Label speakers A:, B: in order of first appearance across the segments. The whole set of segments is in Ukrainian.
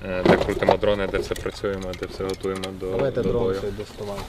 A: де крутимо дрони, де все працюємо, де все готуємо до бою.
B: Давайте дрон цей доставати.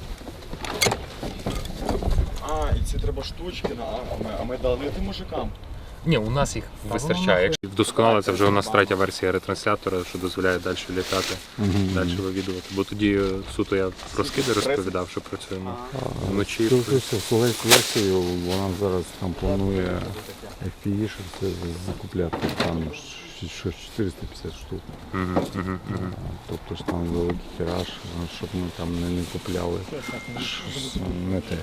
C: І ці треба штучки, а ми дали тим мужикам.
A: Ні, у нас їх вистачає. Вдосконалиться вже у нас третя версія ретранслятора, що дозволяє далі літати, далі вивідувати. Бо тоді суто я про скиди розповідав, що працюємо вночі.
D: Цю версію вона зараз там планує FPV закупляти там 450 штук. Тобто ж там великий тираж, щоб ми там не купляли не те.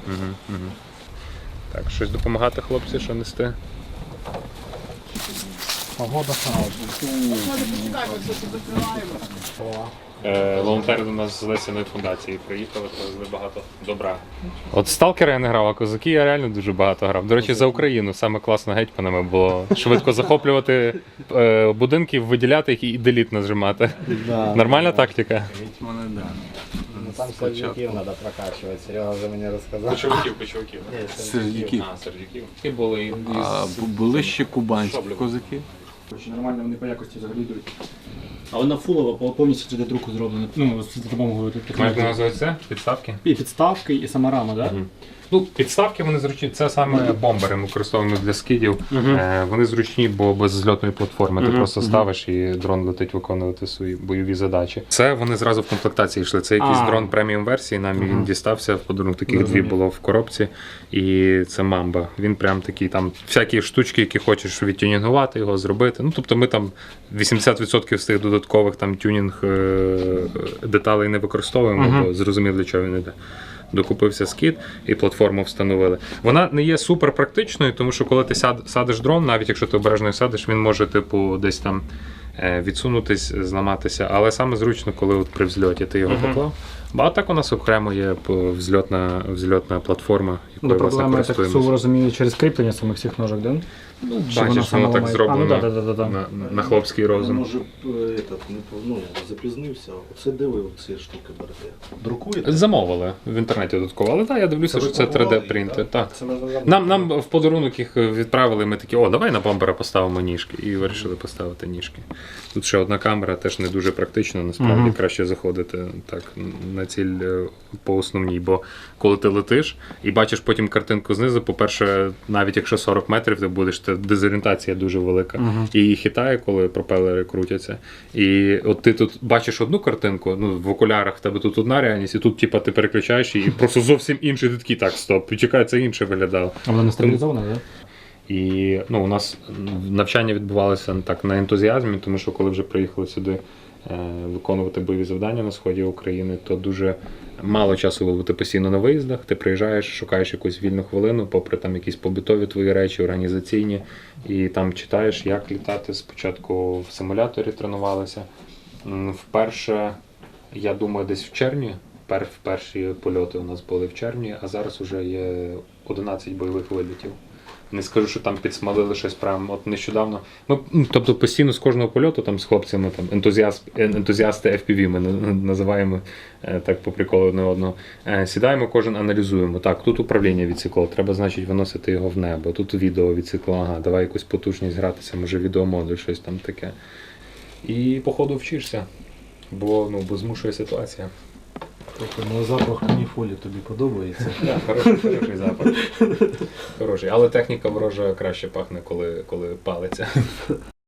A: Так, щось допомагати хлопці, що нести?
B: Погода хороша.
A: Волонтери до нас з Лесяної фундації приїхали, привезли багато добра. От сталкера я не грав, а козаки я реально дуже багато грав. До речі, за Україну саме класно гетьманами було швидко захоплювати будинки, виділяти їх і деліт нажимати. Нормальна тактика?
D: Гетьмани, так.
B: Там сердюків треба прокачувати, Серега вже мені розказав.
A: Кочовиків.
D: Сердюків.
A: Сердюків. І були
D: Були ще кубанські козаки.
E: Нормально вони по якості взагалі йдуть. А вона фулова, повністю 3D-друку зроблена. Ну, з допомогою
A: Як
E: технології.
A: називається? Підставки?
E: І підставки, і сама рама, так?
A: Ну, підставки вони зручні, це саме бомбери, ми використовуємо для скидів. Вони зручні, бо без зльотної платформи. Ти просто ставиш і дрон летить виконувати свої бойові задачі. Це вони зразу в комплектації йшли. Це якийсь дрон преміум версії, нам він дістався, в подарунок таких дві було в коробці. І це Мамба. Він прям такий, там всякі штучки, які хочеш відтюнінгувати його, зробити. Ну, тобто ми там 80% з тих додаткових там тюнінг деталей не використовуємо, бо зрозумів, для чого він йде. Докупився скид і платформу встановили. Вона не є супер практичною, тому що коли ти садиш дрон, навіть якщо ти обережно садиш, він може типу десь там відсунутись, зламатися. Але саме зручно, коли от при взльоті ти його поклав. А так у нас окремо є взльотна платформа, якою власне
E: Проблема, я так
A: користуємося.
E: розумію, через кріплення самих цих ножок, да?
A: Ну, бачиш, воно так зроблено на хлопський розум.
C: Може запізнився, оце дивив ці штуки берете. Друкуєте?
A: Замовили в інтернеті додатково, але так, я дивлюся, що це 3D-принтер. Так. Нам в подарунок їх відправили, ми такі, давай на бомбера поставимо ніжки. І вирішили поставити ніжки. Тут ще одна камера, теж не дуже практично, насправді краще заходити так на ціль по основній, бо коли ти летиш і бачиш потім картинку знизу, по-перше, навіть якщо 40 метрів ти будеш, то дезорієнтація дуже велика. І її хитає, коли пропелери крутяться. І от ти тут бачиш одну картинку, ну, в окулярах в тебе тут одна реальність, і тут типу, ти переключаєш і просто зовсім інший, ти такий, так, стоп, чекай, це інше виглядало.
E: А вона не стабілізована, так?
A: І у нас навчання відбувалося так на ентузіазмі, тому що коли вже приїхали сюди виконувати бойові завдання на сході України, то дуже мало часу було бути постійно на виїздах. Ти приїжджаєш, шукаєш якусь вільну хвилину, попри там якісь побутові твої речі, організаційні, і там читаєш, як літати. Спочатку в симуляторі тренувалися. Вперше, я думаю, десь в червні, перші польоти у нас були в червні, а зараз вже є 11 бойових вилітів. Не скажу, що там підсмалили щось прямо от нещодавно. Ми, тобто постійно з кожного польоту там з хлопцями, там ентузіасти FPV ми називаємо так по приколу одне одного. Сідаємо, кожен аналізуємо. Так, тут управління відсікло, треба, значить, виносити його в небо. Тут відео відсікло, ага, давай якусь потужність гратися, може відеомодуль, щось там таке. І по ходу вчишся, бо змушує ситуація.
B: Тобто, запах каніфолі тобі подобається?
A: Так, хороший запах. Хороший. Але техніка ворожа краще пахне, коли палиться.